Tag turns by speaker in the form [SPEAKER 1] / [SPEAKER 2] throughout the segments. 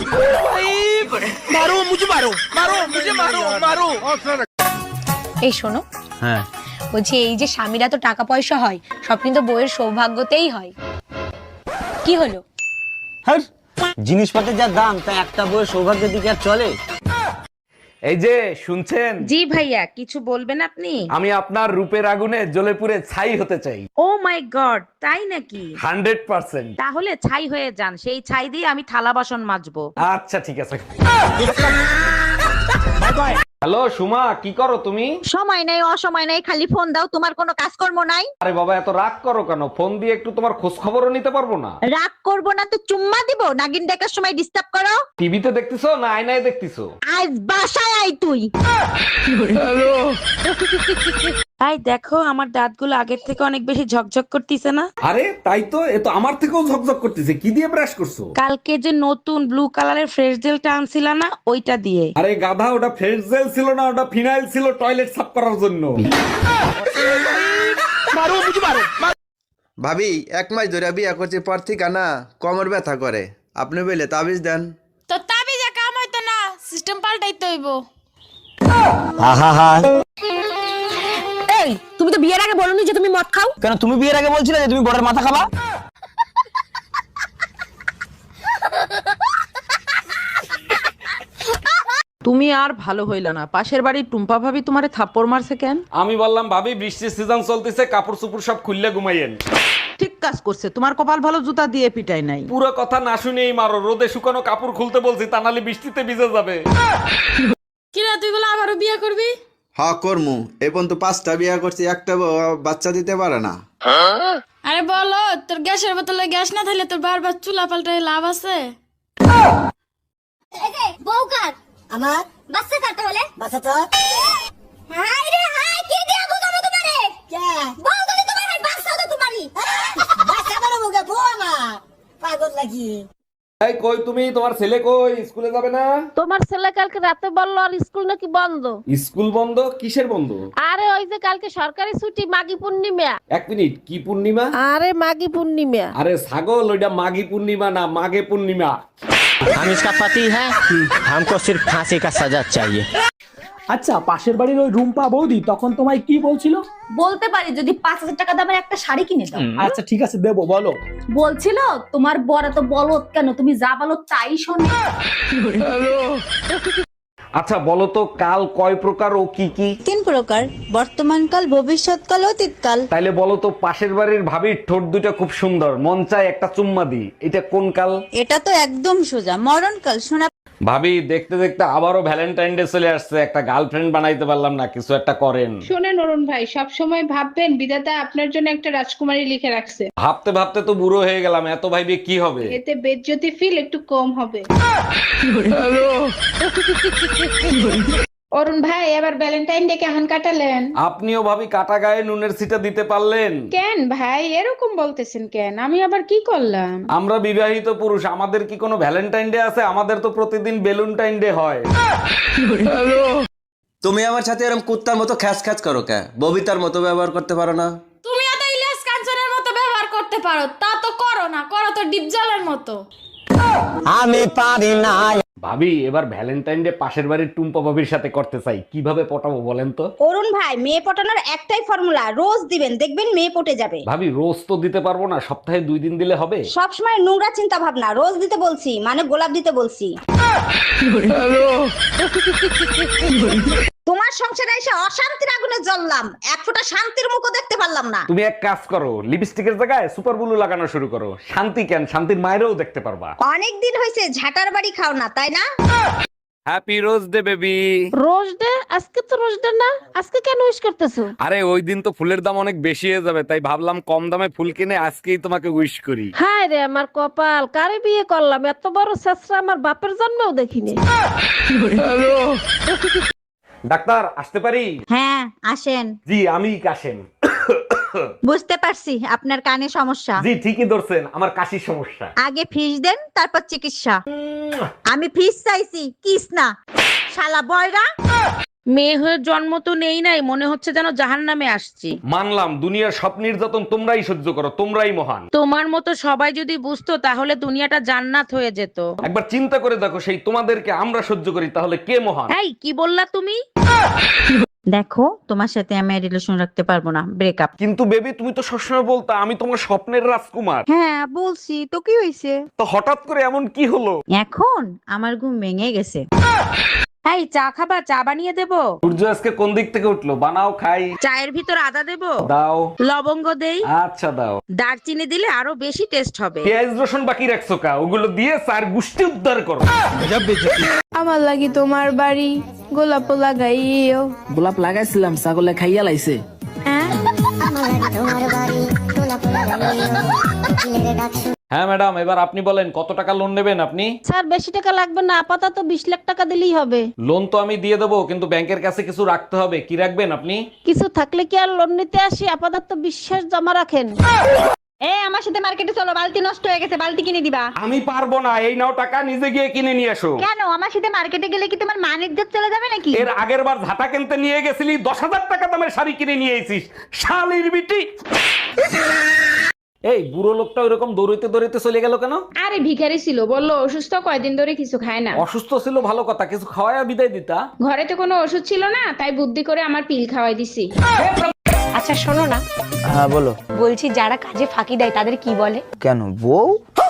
[SPEAKER 1] मारो मुझे, मारो मारो मुझे, मारो मारो।
[SPEAKER 2] এই শোনো,
[SPEAKER 3] হ্যাঁ,
[SPEAKER 2] বলছি এই যে স্বামীরা তো টাকা পয়সা হয়, সব কিন্তু বউয়ের সৌভাগ্যতেই হয়। কি হলো?
[SPEAKER 3] হ্যাঁ, জিনিসপত্রের যা দাম তা একটা বইয়ের সৌভাগ্যের দিকে আর চলে?
[SPEAKER 4] এই যে শুনছেন,
[SPEAKER 5] জি ভাইয়া, কিছু বলবেন আপনি?
[SPEAKER 4] আমি আপনার রূপের আগুনে জ্বলে পুড়ে ছাই হতে চাই।
[SPEAKER 5] ও মাই গড, তাই নাকি?
[SPEAKER 4] 100%।
[SPEAKER 5] তাহলে ছাই হয়ে যান, সেই ছাই দিয়ে আমি থালা বাসন মাজবো।
[SPEAKER 4] আচ্ছা ঠিক আছে। হ্যালো সুমা, কি করো তুমি?
[SPEAKER 6] সময় নাই, অসময় নাই, খালি ফোন দাও। তোমার কোনো কাজকর্ম নাই?
[SPEAKER 4] আরে বাবা, এত রাগ করো কেন? ফোন দিয়ে একটু তোমার খোঁজ খবরও নিতে পারবো না?
[SPEAKER 6] রাগ করবো না তো চুম্মা দিব? নাগিন দেখার সময় ডিস্টার্ব করো?
[SPEAKER 4] টিভিতে দেখতেছো না আয়নায় দেখতেছো?
[SPEAKER 6] আজ বাসায় আই তুই।
[SPEAKER 5] তাই দেখো, আমার দাঁতগুলো আগের থেকে অনেক বেশি ঝকঝক করতেছে না?
[SPEAKER 4] আরে তাই তো, এ তো আমার থেকেও ঝকঝক করতেছে। কি দিয়ে ব্রাশ করছো?
[SPEAKER 5] কালকে যে নতুন ব্লু কালারের ফ্রেশ জেলটা আনছিলা না, ওইটা দিয়ে।
[SPEAKER 4] আরে গাধা, ওটা ফ্রেশ জেল ছিল না, ওটা ফিনাইল ছিল টয়লেট সাফ করার জন্য।
[SPEAKER 1] मारो मुझे, मारो।
[SPEAKER 7] ভাবি 1 মাস ধরে বিয়া করছি, পর থেকে না কোমর ব্যথা করে। আপনি বলে তাবিজ দেন।
[SPEAKER 8] তো তাবিজে কাম হইতো না, সিস্টেম পাল্টাইতে হইব।
[SPEAKER 3] আহা,
[SPEAKER 6] এই, তুমি তো বিয়ের আগে বলনি যে তুমি মদ খাও।
[SPEAKER 3] কেন তুমি বিয়ের আগে বলছিলে যে তুমি বড়ের মাথা খাবা?
[SPEAKER 5] তুমি আর ভালো হইল না, পাশের বাড়ির টুম্পা ভাবি তোমারে থাপ্পড় মারছে কেন?
[SPEAKER 4] আমি বললাম ভাবি বৃষ্টির সিজন চলতেছে, কাপড় চুপড় সব খুললে ঘুমাইয়েন।
[SPEAKER 5] ঠিক কাজ করছে, তোমার কপাল ভালো, জুতা দিয়ে পিটাই নাই।
[SPEAKER 4] পুরো কথা না শুনেই মারো। রোদে শুকানো কাপড় খুলতে বলছি, তা নাহলে বৃষ্টিতে ভিজে যাবে।
[SPEAKER 8] কিরা তুই বলে আবারও বিয়ে করবি?
[SPEAKER 7] হ্যাঁ করমু। এই পর্যন্ত 5টা বিয়া করছি, একটা বাচ্চা দিতে পারে না।
[SPEAKER 8] আরে বলো, তোর গ্যাসের বোতলে গ্যাস না থাকলে তোর বারবার চুলা পাল্টায় লাভ আছে?
[SPEAKER 6] বউকার আমার বাচ্চা কাটা হলে বাচ্চা তো হাই রে হাই, কে দিয়া বুঝাবো তোমারে? কে বউ গলি তোমার, হাই বাচ্চা তো তোমারই। বাচ্চা বড় মুখে বউ না, পাগল লাগি।
[SPEAKER 4] এই কই তুমি? তোমার ছেলে কই? স্কুলে যাবে না?
[SPEAKER 9] তোমার ছেলে কালকে রাতে বললো আর স্কুল নাকি বন্ধ।
[SPEAKER 4] স্কুল বন্ধ? কিসের বন্ধ?
[SPEAKER 9] আরে ওই যে কালকে সরকারি ছুটি, মাঘী পূর্ণিমা।
[SPEAKER 4] 1 মিনিট, কি পূর্ণিমা?
[SPEAKER 9] আরে মাঘী পূর্ণিমা।
[SPEAKER 4] আরে ছাগল, ওইটা মাঘী পূর্ণিমা না, মাঘে পূর্ণিমা।
[SPEAKER 3] हम इसका पति है, हमको सिर्फ फांसी का सजा चाहिए।
[SPEAKER 1] আচ্ছা, পাশের বাড়ির ওই রুম্পা বৌদি তখন তোমায় কি বলছিল?
[SPEAKER 6] বলতে পারি যদি 5000 টাকা দামের একটা শাড়ি কিনে দাও।
[SPEAKER 1] আচ্ছা ঠিক আছে, দেবো, বলো।
[SPEAKER 6] বলছিল তোমার বর এত বলদ কেন, তুমি যা বলো তাই শোনে।
[SPEAKER 4] আচ্ছা বলো তো, কাল কয় প্রকার ও কি কি?
[SPEAKER 6] 3 প্রকার, বর্তমানকাল, ভবিষ্যৎকাল, অতীতকাল।
[SPEAKER 4] তাইলে বলো তো, পাশের বাড়ির ভাবির ঠোঁট দুটা খুব সুন্দর, মন চায় একটা চুম্মা দি, এটা কোন কাল?
[SPEAKER 6] এটা তো একদম সোজা, মরণকাল। শোনা
[SPEAKER 4] ভাবি, দেখতে দেখতে আবারও ভ্যালেন্টাইন ডে চলে আসছে, একটা গার্লফ্রেন্ড বানাইতে পারলাম না, কিছু একটা করেন।
[SPEAKER 10] শোনেন অরুণ ভাই, সব সময় ভাববেন বিধাতা আপনার জন্য একটা রাজকুমারী লিখে রাখছে।
[SPEAKER 4] ভাবতে ভাবতে তো বুড়ো হয়ে গেলাম, এত ভাইবে কি হবে?
[SPEAKER 10] এতে বেজ্জতি ফিল একটু কম হবে। অরুণ ভাই, এবার ভ্যালেন্টাইন ডে কেমন কাটালেন?
[SPEAKER 4] আপনিও ভাবি কাটা গায়ে নুনের ছিটা দিতে পারলেন?
[SPEAKER 10] কেন ভাই এরকম বলতেছেন কেন? আমি আবার কি করলাম?
[SPEAKER 4] আমরা বিবাহিত পুরুষ, আমাদের কি কোনো ভ্যালেন্টাইন ডে আছে? আমাদের তো প্রতিদিন বেলুনটাইন ডে হয়।
[SPEAKER 7] তুমি আমার সাথে এরকম কুত্তার মতো খ্যাচ খ্যাচ করো কে? ববিতার মতো ব্যবহার করতে পারো না?
[SPEAKER 8] তুমি এত ইলিয়াস কাঞ্চনের মতো ব্যবহার করতে পারো, তা তো করো না, করো তো ডিপজলের মতো।
[SPEAKER 3] আমি পারি না।
[SPEAKER 4] ভাবি, এবার ভ্যালেন্টাইন ডে পাশের বাড়ির টুম্পা ভাবির সাথে করতে চাই, কিভাবে পটাবো বলেন তো?
[SPEAKER 6] অরুণ ভাই, মেয়ে পটানোর একটাই ফর্মুলা, রোজ দিবেন, দেখবেন মেয়ে পটে যাবে।
[SPEAKER 4] ভাবি, রোজ তো দিতে পারবো না, সপ্তাহে 2 দিন দিলে হবে?
[SPEAKER 6] সবসময় নোংরা চিন্তা ভাবনা, রোজ দিতে বলছি মানে গোলাপ দিতে বলছি। তোমার সংসারে এসে অশান্তির আগুনে জ্বললাম, এক ফোঁটা শান্তির মুখও দেখতে পারলাম না।
[SPEAKER 4] তুমি এক কাজ করো, লিপস্টিকের জায়গায় সুপার ব্লু লাগানো শুরু করো। শান্তি কেন, শান্তির মায়েরও দেখতে পারবা।
[SPEAKER 6] অনেক দিন হয়েছে ঝাটার বাড়ি খাও না, তাই না?
[SPEAKER 4] Happy rose day baby.
[SPEAKER 9] Rose day? আজকে তো রোজ ডে না, আজকে কেন উইশ করতেছো?
[SPEAKER 4] আরে ওই দিন তো ফুলের দাম অনেক বেশি হয়ে যাবে, তাই ভাবলাম কম দামে ফুল কিনে আজকেই তোমাকে উইশ করি।
[SPEAKER 9] হায় রে আমার কপাল, কারে বিয়ে করলাম, এত বড় ছেঁচড়া আমার বাপের জন্মেও দেখিনি।
[SPEAKER 4] ডাক্তার, আসতে পারি?
[SPEAKER 6] হ্যাঁ আসেন।
[SPEAKER 4] জি, আমি কাশেম।
[SPEAKER 6] বুঝতে পারছি আপনার কানে সমস্যা।
[SPEAKER 4] জি ঠিকই ধরছেন, আমার কাশির সমস্যা।
[SPEAKER 6] আগে ফিস দেন, তারপর চিকিৎসা। আমি ফিস চাইছি, কিস না। শালা বয়রা।
[SPEAKER 5] মেয়ে হয়ে জন্ম তো নেই নাই, মনে হচ্ছে যেন জাহান্নামে আসছি।
[SPEAKER 4] মানলাম দুনিয়ার সব নির্যাতন তোমরাই সহ্য করো, তোমরাই মহান।
[SPEAKER 5] তোমার মতো সবাই যদি বুঝতো তাহলে দুনিয়াটা জান্নাত হয়ে যেত।
[SPEAKER 4] একবার চিন্তা করে দেখো, সেই তোমাদেরকে আমরা সহ্য করি, তাহলে কে মহান?
[SPEAKER 5] এই কি বললা তুমি?
[SPEAKER 11] দেখো তোমার সাথে আমি রিলেশন রাখতে পারবো না, ব্রেকআপ।
[SPEAKER 4] কিন্তু বেবি তুমি তো সবসময় বলতা আমি তোমার স্বপ্নের রাজকুমার।
[SPEAKER 11] হ্যাঁ বলছি তো, কি হয়েছে?
[SPEAKER 4] তো হঠাৎ করে এমন কি হলো?
[SPEAKER 11] এখন আমার ঘুম ভেঙে গেছে।
[SPEAKER 5] এই চা খাবা? চা বানিয়ে দেবো?
[SPEAKER 4] সূর্য আজকে কোন দিক থেকে উঠলো? বানাও খাই।
[SPEAKER 5] চায়ের ভিতর আদা দেবো?
[SPEAKER 4] দাও।
[SPEAKER 5] লবঙ্গ দেই?
[SPEAKER 4] আচ্ছা দাও।
[SPEAKER 5] দারচিনি দিলে আরো বেশি টেস্ট হবে।
[SPEAKER 4] পেঁয়াজ রসুন বাকি রাখছো কা? ওগুলো দিয়ে চার গুষ্টি উদ্ধার করো।
[SPEAKER 8] আমার লাগি তোমার বাড়ি গোলাপ লাগাইও।
[SPEAKER 1] গোলাপ লাগাইছিলাম, ছাগলে খাইয়া লাইছে।
[SPEAKER 4] হ্যাঁ ম্যাডাম, এবার আপনি বলেন কত টাকা লোন নেবেন আপনি?
[SPEAKER 9] স্যার বেশি টাকা লাগবে না, আপাতত 20 লাখ টাকা দিলেই হবে।
[SPEAKER 4] লোন তো আমি দিয়ে দেবো, কিন্তু ব্যাংকের কাছে কিছু রাখতে হবে। কি রাখবেন আপনি?
[SPEAKER 9] কিছু থাকলে কি আর লোন নিতে আসি? আপাতত বিশ্বাস জমা রাখেন।
[SPEAKER 6] আমার সাথে মার্কেটে চলো, বালতি নষ্ট হয়ে গেছে, বালতি কিনে দিবা।
[SPEAKER 4] আমি পারবো না, এই নাও টাকা, নিজে গিয়ে কিনে নিয়ে এসো।
[SPEAKER 6] কেন? আমার সাথে মার্কেটে গেলে কি তোমার মান ইজ্জত চলে যাবে নাকি?
[SPEAKER 4] এর আগের বার ঝাঁটা কিনতে নিয়ে গেছিলি, 10,000 টাকা দামের শাড়ি কিনে নিয়ে এসিস, শালির বিটি। এই বুড়ো লোকটা ওইরকম দৌড়াইতে দৌড়াইতে চলে গেল কেন?
[SPEAKER 10] আরে ভিখারি ছিল, বললো অসুস্থ, কয়দিন ধরে কিছু খায় না।
[SPEAKER 4] অসুস্থ ছিল ভালো কথা, কিছু খাওয়ায় বিদায় দিতা।
[SPEAKER 10] ঘরে তো কোনো ওষুধ ছিল না, তাই বুদ্ধি করে আমার পিল খাওয়াই দিছি।
[SPEAKER 2] আচ্ছা শোনো না,
[SPEAKER 3] হ্যাঁ বলো।
[SPEAKER 2] বলছি যারা কাজে ফাঁকি দেয় তাদের কি বলে?
[SPEAKER 3] কেন বউ?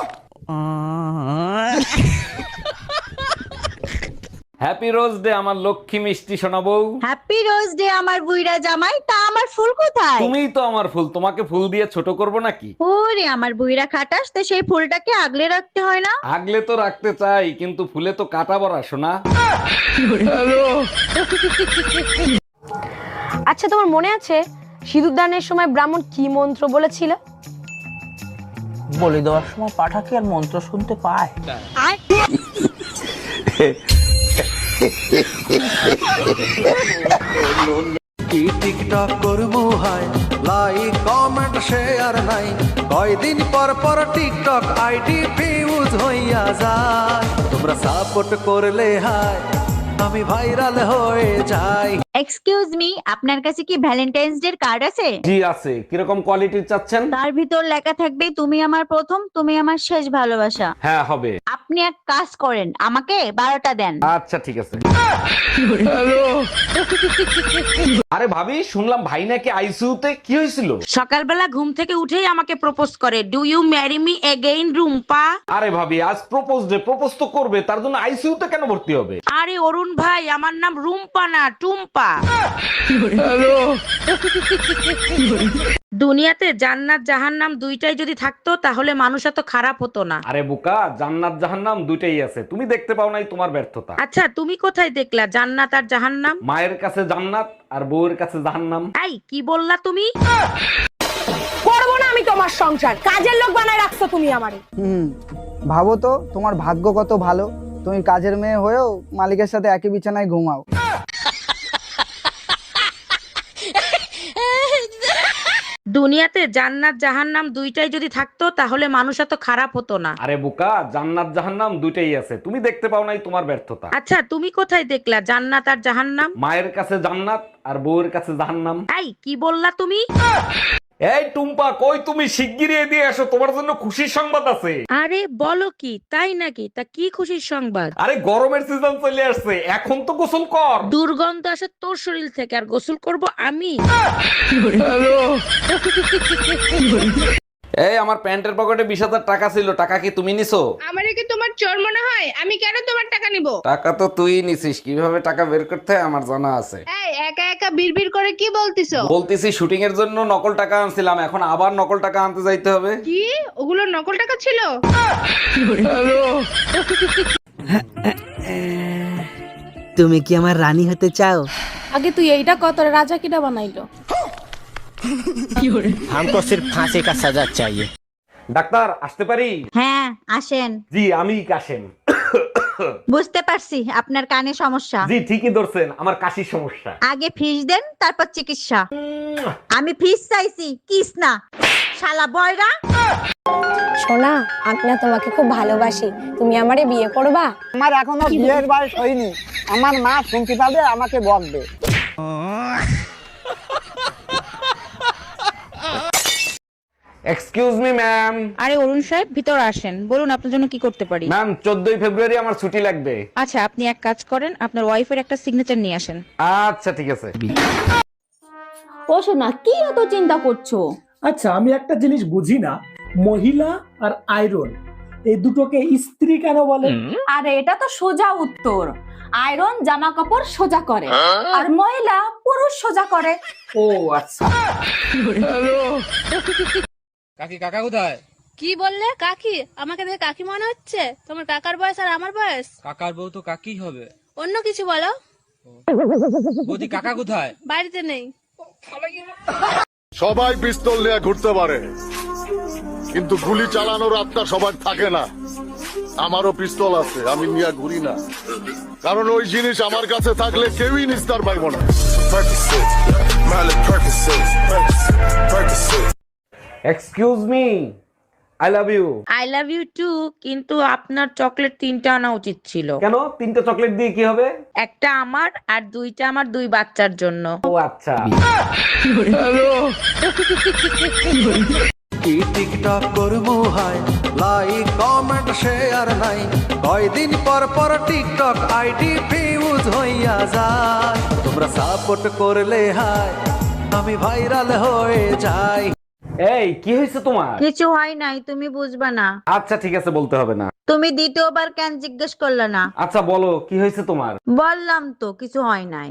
[SPEAKER 4] হ্যাপি রোজ ডে আমার লক্ষ্মী মিষ্টি সোনা বউ।
[SPEAKER 11] হ্যাপি রোজ ডে আমার বুইড়া জামাই। তা আমার ফুল কোথায়?
[SPEAKER 4] তুমিই তো আমার ফুল, তোমাকে ফুল দিয়ে ছোট করব নাকি?
[SPEAKER 11] ওরে আমার বুইড়া খাটাস, তো সেই ফুলটাকে আগলে রাখতে হয় না?
[SPEAKER 4] আগলে তো রাখতে চাই, কিন্তু ফুলে তো কাটা বড়া সোনা।
[SPEAKER 2] আচ্ছা তোমার মনে আছে সিঁদুরদানের সময় ব্রাহ্মণ কি মন্ত্র বলেছিল?
[SPEAKER 3] বলে দেওয়ার সময় পাঠা কি আর মন্ত্র শুনতে পায়?
[SPEAKER 12] কি টিকটক করবো হাই, লাইক কমেন্ট শেয়ার নাই, কয়দিন পর পর টিকটক আইডি ফিউজ হইয়া যায়। তোমরা সাপোর্ট করলে হাই আমি ভাইরাল হয়ে যাই।
[SPEAKER 11] এক্সকিউজ মি, আপনার কাছে কি ভ্যালেন্টাইন্স ডে কার্ড আছে?
[SPEAKER 4] জি আছে। কিরকম কোয়ালিটির চাচ্ছেন?
[SPEAKER 11] তার ভিতর লেখা থাকবে তুমি আমার প্রথম, তুমি আমার শেষ ভালোবাসা।
[SPEAKER 4] হ্যাঁ হবে।
[SPEAKER 11] আপনি এক কাজ করেন, আমাকে 12টা দেন।
[SPEAKER 4] আচ্ছা ঠিক আছে। আরে ভাবি, শুনলাম ভাই নাকি আইসিইউতে, কি হয়েছিল?
[SPEAKER 5] সকালবেলা ঘুম থেকে উঠেই আমাকে প্রপোজ করে, do you marry me again Rumpa?
[SPEAKER 4] আরে ভাবি, আজ প্রপোজ ডে, প্রপোজ তো করবে, তার জন্য আইসিইউতে কেন ভর্তি হবে?
[SPEAKER 5] আরে অরুণ ভাই, আমার নাম রুম্পা না টুম্পা। দুনিয়াতে জান্নাত জাহান্নাম দুইটাই যদি থাকতো তাহলে মানুষ এত খারাপ হতো না।
[SPEAKER 4] আরে বোকা, জান্নাত জাহান্নাম দুইটাই আছে, তুমি দেখতে পাও নাই, তোমার ব্যর্থতা।
[SPEAKER 5] আচ্ছা তুমি কোথায় দেখলা জান্নাত আর জাহান্নাম?
[SPEAKER 4] মায়ের কাছে জান্নাত আর বউয়ের কাছে জাহান্নাম।
[SPEAKER 5] এই কি বললা তুমি?
[SPEAKER 2] করবো না আমি তোমার সংসার, কাজের লোক বানায় রাখছো তুমি আমারে।
[SPEAKER 1] ভাবো তো তোমার ভাগ্য কত ভালো, তুমি কাজের মেয়ে হয়েও মালিকের সাথে একই বিছানায় ঘুমাও।
[SPEAKER 5] দুনিয়াতে জান্নাত জাহান্নাম দুইটাই যদি থাকতো তাহলে মানুষ এত খারাপ হতো না।
[SPEAKER 4] আরে বোকা, জান্নাত জাহান্নাম দুইটাই আছে, তুমি দেখতে পাও নাই, তোমার ব্যর্থতা।
[SPEAKER 5] আচ্ছা তুমি কোথায় দেখলা জান্নাত আর জাহান্নাম?
[SPEAKER 4] মায়ের কাছে জান্নাত আর বউয়ের কাছে জাহান্নাম।
[SPEAKER 5] এই কি বললা তুমি?
[SPEAKER 4] এই টুম্পা, কই তুমি? শিগগিরই এদিকে এসো, তোমার জন্য খুশির সংবাদ আছে।
[SPEAKER 5] আরে বলো কি, তাই নাকি? তা কি খুশির সংবাদ?
[SPEAKER 4] আরে গরমের সিজন চলে আসছে, এখন তো গোসল কর।
[SPEAKER 5] দুর্গন্ধ আসে তোর শরীর থেকে, আর গোসল করব আমি?
[SPEAKER 4] এই আমার প্যান্টের পকেটে 20,000 টাকা ছিল, টাকা কি তুমি নিছো?
[SPEAKER 10] আমারে কি তোমার চোর মনে হয়? আমি কেন তোমার টাকা নিব?
[SPEAKER 4] টাকা তো তুই নিছিস, কিভাবে টাকা বের করতে হয় আমার জানা আছে।
[SPEAKER 10] এই একা একা বিড়বিড় করে কি বলতিছো?
[SPEAKER 4] বলতেছি শুটিং এর জন্য নকল টাকা আনছিলাম, এখন আবার নকল টাকা আনতে যাইতে হবে।
[SPEAKER 10] কি ওগুলো নকল টাকা ছিল?
[SPEAKER 1] তুমি কি আমার রানী হতে চাও?
[SPEAKER 8] আগে তুই এইটা কত রাজা কিটা বানাইলো?
[SPEAKER 3] हमको सिर्फ फांसी का सजा चाहिए।
[SPEAKER 4] ডাক্তার আসতে পারি?
[SPEAKER 11] হ্যাঁ আসেন।
[SPEAKER 4] জি আমি কাশেম।
[SPEAKER 11] বুঝতে পারছি আপনার কানে সমস্যা।
[SPEAKER 4] জি ঠিকই ধরছেন, আমার কাশির সমস্যা।
[SPEAKER 11] আগে ফিস দেন, তারপর চিকিৎসা। আমি ফিস চাইছি, কিস না। শালা বয়রা।
[SPEAKER 2] সোনা, আমি না তোমাকে খুব ভালোবাসি, তুমি আমারে বিয়ে করবা?
[SPEAKER 1] আমার এখনো বিয়ের বয়স হয়নি। আমার মা শুনতে পাবে, আমাকে বকবে।
[SPEAKER 4] Excuse me ma'am.
[SPEAKER 5] আরে অরুণ সাহেব, ভিতর আসেন, বলুন আপনার জন্য কি করতে পারি।
[SPEAKER 4] ম্যাম 14ই ফেব্রুয়ারি আমার ছুটি লাগবে।
[SPEAKER 5] আচ্ছা, আপনি এক কাজ করেন, আপনার ওয়াইফের একটা সিগনেচার নিয়ে আসেন।
[SPEAKER 4] আচ্ছা ঠিক আছে।
[SPEAKER 8] ও শোনা, কি এত চিন্তা করছো?
[SPEAKER 12] আচ্ছা, আমি একটা জিনিস বুঝি না, মহিলা আর আয়রন এই দুটোকে ইস্ত্রি কেন বলে?
[SPEAKER 8] আরে এটা তো সোজা উত্তর। আয়রন জামা কাপড় সোজা করে, আর মহিলা পুরুষ সোজা করে।
[SPEAKER 12] ও আচ্ছা।
[SPEAKER 3] কাকি কাকা কোথায়?
[SPEAKER 8] কি বললে? কাকি? আমাকে দেখে কাকি মনে হচ্ছে? তোমার কাকার বয়স আর আমার বয়স?
[SPEAKER 3] কাকার বউ তো কাকি হবে।
[SPEAKER 8] অন্য কিছু বলো।
[SPEAKER 3] বৌদি কাকা কোথায়?
[SPEAKER 8] বাড়িতে নেই।
[SPEAKER 12] সবাই পিস্তল নিয়ে ঘুরতে পারে, কিন্তু গুলি চালানোর আত্মা সবার থাকে না। আমারও পিস্তল আছে, আমি নিয়ে ঘুরি না, কারণ ওই জিনিস আমার কাছে থাকলে কেউই নিস্তার পাইব না।
[SPEAKER 4] Excuse me, I love you.
[SPEAKER 5] I love you too, কিন্তু আপনার চকলেট 3টা আনা উচিত ছিল।
[SPEAKER 4] কেন? 3টা চকলেট দিয়ে কি হবে?
[SPEAKER 5] একটা আমার আর 2টা আমার 2 বাচ্চার জন্য।
[SPEAKER 4] ও আচ্ছা।
[SPEAKER 12] কি টিকটক করবো হাই, লাইক কমেন্ট শেয়ার নাই, কয়দিন পর পর টিকটক আইডি ফিউজ হইয়া যায়। তোমরা সাপোর্ট করলে হাই, আমি ভাইরাল হয়ে যাই।
[SPEAKER 4] এই কি হয়েছে তোমার?
[SPEAKER 11] কিছু হয় নাই, তুমি বুঝবা না।
[SPEAKER 4] আচ্ছা ঠিক আছে, বলতে হবে না।
[SPEAKER 11] তুমি দ্বিতীয়বার কেন জিজ্ঞেস করলে না?
[SPEAKER 4] আচ্ছা বলো, কি হয়েছে তোমার?
[SPEAKER 11] বললাম তো কিছু হয় নাই।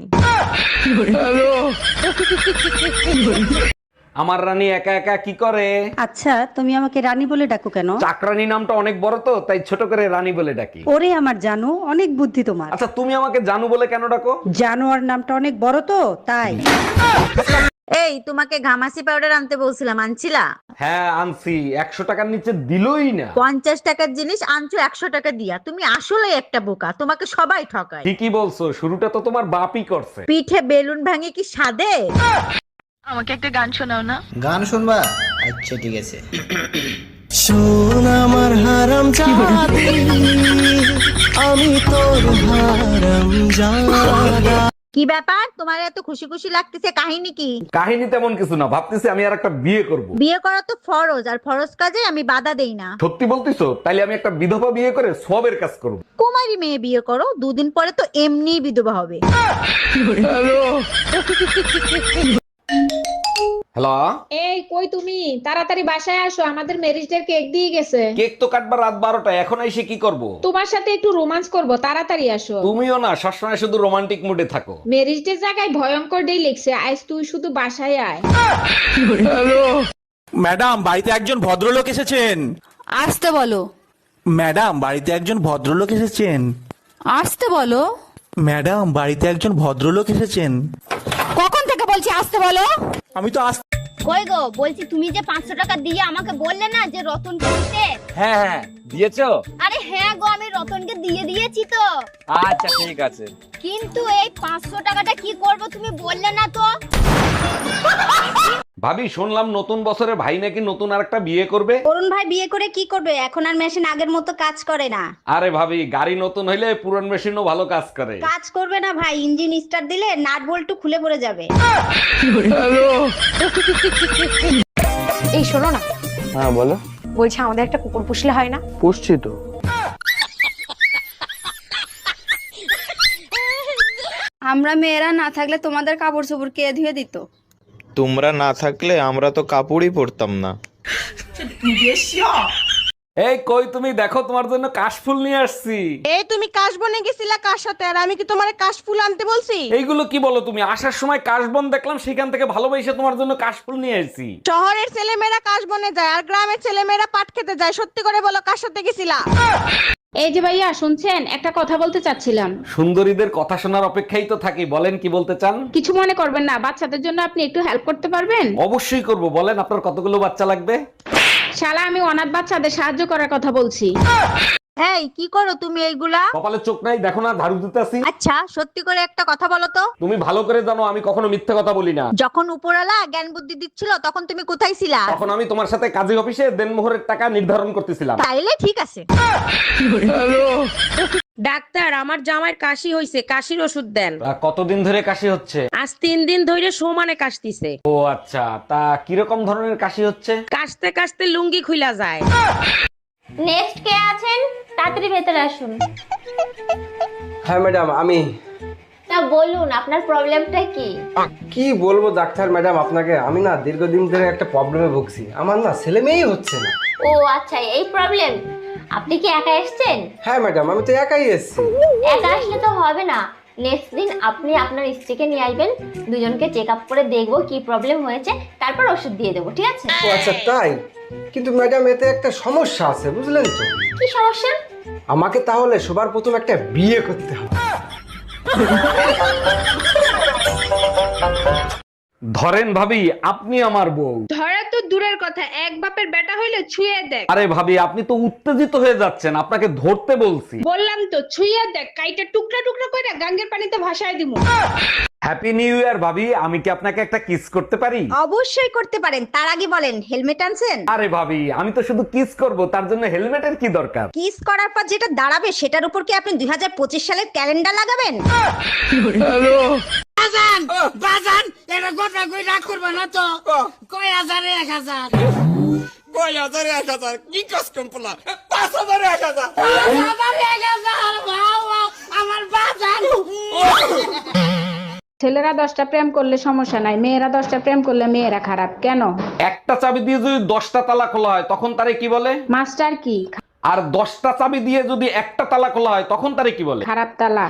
[SPEAKER 4] আমার রানী একা একা কি করে?
[SPEAKER 9] আচ্ছা, তুমি আমাকে রানী বলে ডাকো কেন?
[SPEAKER 4] চাকরানী নামটা অনেক বড় তো, তাই ছোট করে রানী বলে ডাকি।
[SPEAKER 9] ওরে আমার জানো, অনেক বুদ্ধি তোমার।
[SPEAKER 4] আচ্ছা তুমি আমাকে জানু বলে কেন ডাকো?
[SPEAKER 9] জানোয়ার নামটা অনেক বড় তো, তাই।
[SPEAKER 11] এই, তোমাকে ঘামাসি পাউডার আনতে বলছিলাম, আনছিলা?
[SPEAKER 4] হ্যাঁ আনছি, 100 টাকার নিচে দিলই না।
[SPEAKER 11] 50 টাকার জিনিস আনছো 100 টাকা দিয়া। তুমি আসলে একটা বোকা, তোমাকে সবাই ঠকায়।
[SPEAKER 4] ঠিকই বলছো, শুরুটা তো তোমার বাপই করছে।
[SPEAKER 11] পিঠে বেলুন ভাঙে কি সাদে?
[SPEAKER 5] আমাকে একটা গান শোনাও না।
[SPEAKER 3] গান শুনবা? আচ্ছা ঠিক আছে।
[SPEAKER 12] শোন আমার হারাম জাদি, আমি তোর হারাম জাদা।
[SPEAKER 11] কি ব্যাপার, তোমার এত খুশি খুশি লাগতেছে, কাহিনী কি?
[SPEAKER 4] কাহিনী তেমন কিছু না, ভাবতেছি আমি আর একটা বিয়ে করব।
[SPEAKER 11] বিয়ে করা তো ফরজ, আর ফরজ কাজে আমি বাধা দেই না।
[SPEAKER 4] সত্যি বলতিছো? তাইলে আমি একটা বিধবা বিয়ে করে সবের কাজ করব।
[SPEAKER 11] কুমারী মেয়ে বিয়ে করো, 2 দিন পরে তো এমনিই বিধবা হবে।
[SPEAKER 4] হ্যালো,
[SPEAKER 10] এই কই তুমি? তাড়াতাড়ি বাসায় আসো, আমাদের ম্যারেজ ডে কেক দিয়ে গেছে।
[SPEAKER 4] কেক তো কাটবার রাত 12টা, এখন এসে কি করব?
[SPEAKER 10] তোমার সাথে একটু রোমান্স করব, তাড়াতাড়ি আসো।
[SPEAKER 4] তুমিও না সবসময় শুধু রোমান্টিক মুডে থাকো।
[SPEAKER 10] ম্যারেজ ডে জায়গায় ভয়ঙ্কর ডে লিখছে, আজ তুই শুধু বাসায় আয়।
[SPEAKER 12] ম্যাডাম, বাড়িতে একজন ভদ্রলোক এসেছেন।
[SPEAKER 8] আসতে বলো।
[SPEAKER 12] ম্যাডাম, বাড়িতে একজন ভদ্রলোক এসেছেন।
[SPEAKER 8] আসতে বলো।
[SPEAKER 12] ম্যাডাম, বাড়িতে একজন ভদ্রলোক এসেছেন।
[SPEAKER 8] কখন থেকে বলছি আসতে বলো?
[SPEAKER 12] আমি তো
[SPEAKER 6] কই গো, বলছি তুমি যে 500 টাকা দিয়ে আমাকে বললে না যে রতনকে দিতে?
[SPEAKER 3] হ্যাঁ হ্যাঁ দিয়েছো?
[SPEAKER 6] আরে হ্যাঁ গো, আমি রতনকে দিয়ে দিয়েছি তো।
[SPEAKER 3] আচ্ছা ঠিক আছে।
[SPEAKER 6] কিন্তু এই 500 টাকাটা কি করব তুমি বললে না তো।
[SPEAKER 4] ভাবি শুনলাম নতুন বছরে ভাই নাকি নতুন আরেকটা বিয়ে করবে।
[SPEAKER 6] অরুণ ভাই বিয়ে করে কি করবে? এখন আর মেশিন আগের মতো কাজ করে না।
[SPEAKER 4] আরে ভাবি, গাড়ি নতুন হইলে পুরান মেশিনও ভালো কাজ করে।
[SPEAKER 6] কাজ করবে না ভাই, ইঞ্জিন স্টার্ট দিলে নাট বল্টু খুলে পড়ে যাবে।
[SPEAKER 2] এই শোনো না,
[SPEAKER 1] হ্যাঁ বলো।
[SPEAKER 2] বলছি আমাদের একটা কুকুর পুষলে হয় না?
[SPEAKER 1] পুষছি তো।
[SPEAKER 8] আমরা মেয়েরা না থাকলে তোমাদের কাপড় চোপড় কে ধুয়ে দিত?
[SPEAKER 7] তোমরা না থাকলে আমরা তো কাপড়ই পরতাম না।
[SPEAKER 4] এই কই তুমি, দেখো তোমার জন্য কাশফুল নিয়ে আসছি।
[SPEAKER 5] এই তুমি কাশবনে গেছিলা কার সাথে, আর আমি কি তোমার কাশফুল আনতে বলছি?
[SPEAKER 4] এইগুলো কি বলো তুমি? আসার সময় কাশবন দেখলাম, সেখান থেকে ভালোবাসে তোমার জন্য কাশফুল নিয়ে আসছি।
[SPEAKER 5] শহরের ছেলেমেয়েরা কাশবনে যায়, আর গ্রামের ছেলেমেয়েরা পাট খেতে যায়। সত্যি করে বলো, কার সাথে গেছিলা?
[SPEAKER 10] এই যে ভাইয়া শুনছেন, একটা কথা বলতে চাচ্ছিলাম।
[SPEAKER 4] সুন্দরীদের কথা শোনার অপেক্ষাই তো থাকি, বলেন কি বলতে চান?
[SPEAKER 10] কিছু মনে করবেন না, বাচ্চাদের জন্য আপনি একটু হেল্প করতে পারবেন?
[SPEAKER 4] অবশ্যই করব, বলেন আপনার কতগুলো বাচ্চা লাগবে?
[SPEAKER 10] শালা, আমি অনাথ বাচ্চাদের সাহায্য করার কথা বলছি।
[SPEAKER 11] এই, কি করো তুমি এইগুলা?
[SPEAKER 4] কপালে চোখ নাই, দেখো না ঝাড়ু দিতেছি।
[SPEAKER 11] আচ্ছা, সত্যি করে একটা কথা বলো তো।
[SPEAKER 4] তুমি ভালো করে জানো আমি কখনো মিথ্যে কথা বলি না।
[SPEAKER 11] যখন উপরওয়ালা জ্ঞান বুদ্ধি দিচ্ছিল, তখন তুমি কোথায় ছিলা?
[SPEAKER 4] তখন আমি তোমার সাথে কাজী অফিসে দেনমোহরের টাকা নির্ধারণ করতেছিলাম।
[SPEAKER 11] তাইলে ঠিক আছে।
[SPEAKER 5] ডাক্তার, আমার জামাইয়ের কাশি হইছে, কাশির ওষুধ দেন।
[SPEAKER 4] কতদিন ধরে কাশি হচ্ছে?
[SPEAKER 5] আজ 3 দিন ধরে সমানে কাশতিছে।
[SPEAKER 4] ও আচ্ছা, তা কিরকম ধরনের কাশি হচ্ছে?
[SPEAKER 5] কাশতে কাশতে লুঙ্গি খুইলা যায়।
[SPEAKER 6] নেক্সট কে আছেন? তাড়াতাড়ি ভেতরে আসুন।
[SPEAKER 13] হ্যাঁ ম্যাডাম, আমি।
[SPEAKER 6] তা বলুন আপনার প্রবলেমটা কি?
[SPEAKER 13] কি বলবো ডাক্তার ম্যাডাম আপনাকে, আমি না দীর্ঘদিন ধরে একটা প্রবলেমে ভুগছি। আমার না ছেলে মেয়েই হচ্ছে না।
[SPEAKER 6] ও আচ্ছা, এই প্রবলেম। আপনি কি একা এসেছেন?
[SPEAKER 13] হ্যাঁ ম্যাডাম, আমি তো একাই এসেছি।
[SPEAKER 6] একা আসলে তো হবে না, নেক্সট দিন আপনি আপনার স্ত্রীকে নিয়ে আসবেন, দুজনকে চেক আপ করে দেখবো কি প্রবলেম হয়েছে, তারপর ওষুধ দিয়ে দেবো, ঠিক আছে?
[SPEAKER 13] ও আচ্ছা তাই? কিন্তু ম্যাডাম এতে একটা সমস্যা আছে, বুঝলেন তো?
[SPEAKER 6] কি সমস্যা?
[SPEAKER 13] আমাকে তাহলে সবার প্রথম একটা বিয়ে করতে হবে।
[SPEAKER 4] ধরেন ভাবি, আপনি আমার বউ।
[SPEAKER 10] ধরা তো দূরের কথা, এক বাপের বেটা হইলে ছুঁয়ে দেখ।
[SPEAKER 4] আরে ভাবি, আপনি তো উত্তেজিত হয়ে যাচ্ছেন, আপনাকে ধরতে বলছি।
[SPEAKER 10] বললাম তো ছুঁয়ে দেখ, কাইটা টুকরা টুকরা করে গাঙ্গের পানিতে ভাসায় দিমু।
[SPEAKER 4] হ্যাপি নিউ ইয়ার ভাবি, আমি কি আপনাকে একটা কিস করতে পারি?
[SPEAKER 11] অবশ্যই করতে পারেন, তার আগে বলেন হেলমেট আনছেন?
[SPEAKER 4] আরে ভাবি, আমি তো শুধু কিস করব, তার জন্য হেলমেটের কি দরকার?
[SPEAKER 11] কিস করার পর যেটা দাঁড়াবে সেটার উপর কি আপনি 2025 সালের ক্যালেন্ডার লাগাবেন?
[SPEAKER 5] বাজান, এটা গোটা কই রাগ করবে না তো? কয় হাজারে 1000, কয় হাজারে 1000, কি কাস্টম পোলা, 5000 1000, 1000 বাবা, আমার বাজান।
[SPEAKER 10] ছেলেরা 10টা প্রেম করলে সমস্যা নাই, মেয়েরা 10টা প্রেম করলে মেয়েরা খারাপ কেন?
[SPEAKER 4] একটা চাবি দিয়ে যদি 10টা তালা খোলা হয় তখন তারে কি বলে?
[SPEAKER 10] মাস্টার কি?
[SPEAKER 4] আর 10টা চাবি দিয়ে যদি একটা তালা খোলা হয় তখন তারে কি বলে?
[SPEAKER 10] খারাপ তালা।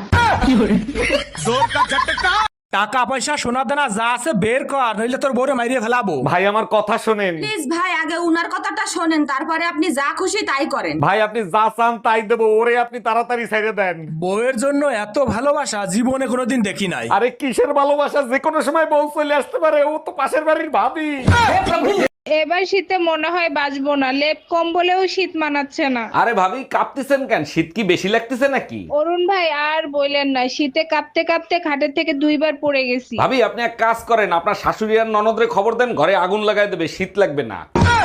[SPEAKER 12] টাকা পয়সা সোনা দানা যা আছে বের কর, নইলে তোর বউরে মাইরিয়ে ফেলাবো।
[SPEAKER 4] ভাই আমার কথা শোনেন।
[SPEAKER 8] প্লিজ ভাই, আগে উনার কথাটা শোনেন, তারপরে আপনি যা খুশি তাই করেন।
[SPEAKER 4] ভাই আপনি যা চান তাই দেবো, ওরে আপনি তাড়াতাড়ি ছেড়ে দেন।
[SPEAKER 12] বউয়ের জন্য এত ভালোবাসা জীবনে কোনোদিন দেখি নাই।
[SPEAKER 4] আরে কিসের ভালোবাসা, যে কোনো সময় বউ চলে আসতে পারে, ও তো পাশের বাড়ির ভাবি।
[SPEAKER 10] এবার শীতে মনে হয় বাঁচবো না, লেপ কম্বলেও শীত মানাচ্ছে না।
[SPEAKER 4] আরে ভাবি কাঁপতেছেন কেন? শীত কি বেশি লাগতেছে নাকি?
[SPEAKER 10] অরুণ ভাই আর বললেন না, শীতে কাঁপতে কাঁপতে খাটের থেকে 2 বার পড়ে গেছি।
[SPEAKER 4] ভাবি আপনি এক কাজ করেন, আপনার শাশুড়ি আর ননদরে খবর দেন, ঘরে আগুন লাগাই দেবে, শীত লাগবে না।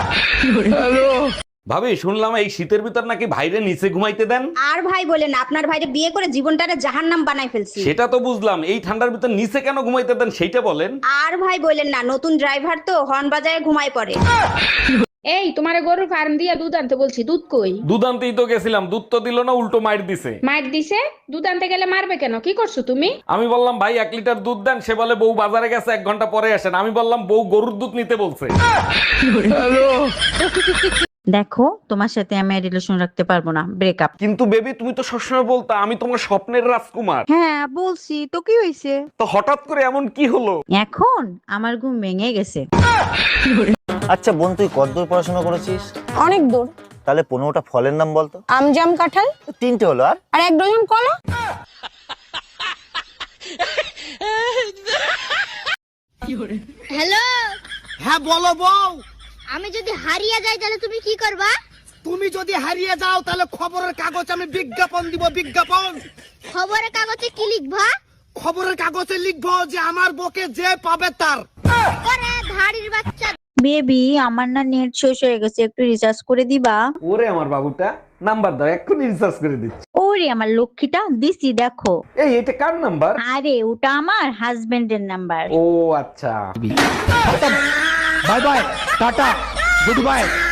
[SPEAKER 4] ভাবি শুনলাম এই শীতের ভিতর নাকি ভাইরে নিচে ঘুমাইতে দেন।
[SPEAKER 11] আর ভাই বলেন, আপনার ভাইরে বিয়ে করে জীবনটারে জাহান্নাম বানাই ফেলছি।
[SPEAKER 4] সেটা তো বুঝলাম, এই ঠান্ডার ভিতর নিচে কেন ঘুমাইতে দেন সেইটা বলেন।
[SPEAKER 11] আর ভাই বলেন না, নতুন ড্রাইভার তো হর্ন বাজায় ঘুমায় পড়ে।
[SPEAKER 10] এই তোমারে গরুর ফার্ম দিয়া দুধ আনতে বলছি, দুধ কই?
[SPEAKER 4] দুধ আনতেই তো গেছিলাম, দুধ তো দিল না, উল্টো মাইর দিছে।
[SPEAKER 10] মাইর দিছে? দুধ আনতে গেলে মারবে কেন? কি করছো তুমি?
[SPEAKER 4] আমি বললাম ভাই 1 লিটার দুধ দেন, সে বলে বউ বাজারে গেছে 1 ঘন্টা পরে আসেন। আমি বললাম বউ গরুর দুধ নিতে বলছে।
[SPEAKER 11] দেখো, তোমার সাথে আমি রিলেশন রাখতে পারবো না, ব্রেকআপ।
[SPEAKER 4] কিন্তু বেবি তুমি তো সবসময় বলতা আমি তোমার স্বপ্নের রাজকুমার।
[SPEAKER 11] হ্যাঁ বলছি তো, কি হয়েছে?
[SPEAKER 4] তো হঠাৎ করে এমন কি হলো?
[SPEAKER 11] এখন আমার ঘুম ভেঙে গেছে।
[SPEAKER 3] আচ্ছা বোন, তুই কতদূর পড়াশোনা করেছিস?
[SPEAKER 2] অনেক দূর।
[SPEAKER 3] তাহলে 15টা ফলের নাম বলতো।
[SPEAKER 2] আম, জাম, কাঁঠাল,
[SPEAKER 3] 3টে হলো, আর
[SPEAKER 2] 1 ডজন কলা।
[SPEAKER 6] হ্যালো।
[SPEAKER 5] হ্যাঁ বলো বউ।
[SPEAKER 6] আমি যদি হারিয়ে যাই তাহলে তুমি কি করবা?
[SPEAKER 5] তুমি যদি হারিয়ে যাও তাহলে খবরের কাগজ আমি বিজ্ঞাপন দিব, বিজ্ঞাপন।
[SPEAKER 6] খবরের কাগজে কি লিখবা?
[SPEAKER 5] খবরের কাগজে লিখবো যে আমার বকে যে পাবে তার।
[SPEAKER 6] ওরে ধাড়ির বাচ্চা।
[SPEAKER 11] বেবি, আমার না নেট শেষ হয়ে গেছে, একটু রিচার্জ করে দিবা?
[SPEAKER 4] ওরে আমার বাবুটা, নাম্বার দাও, এক্ষুনি রিচার্জ করে দিচ্ছি।
[SPEAKER 11] ওরে আমার লক্ষ্মীটা, দিছি দেখো।
[SPEAKER 4] এই এটা কার নাম্বার?
[SPEAKER 11] আরে ওটা আমার হাজবেন্ডের নাম্বার।
[SPEAKER 4] ও আচ্ছা।
[SPEAKER 12] Bye bye, tata, good by.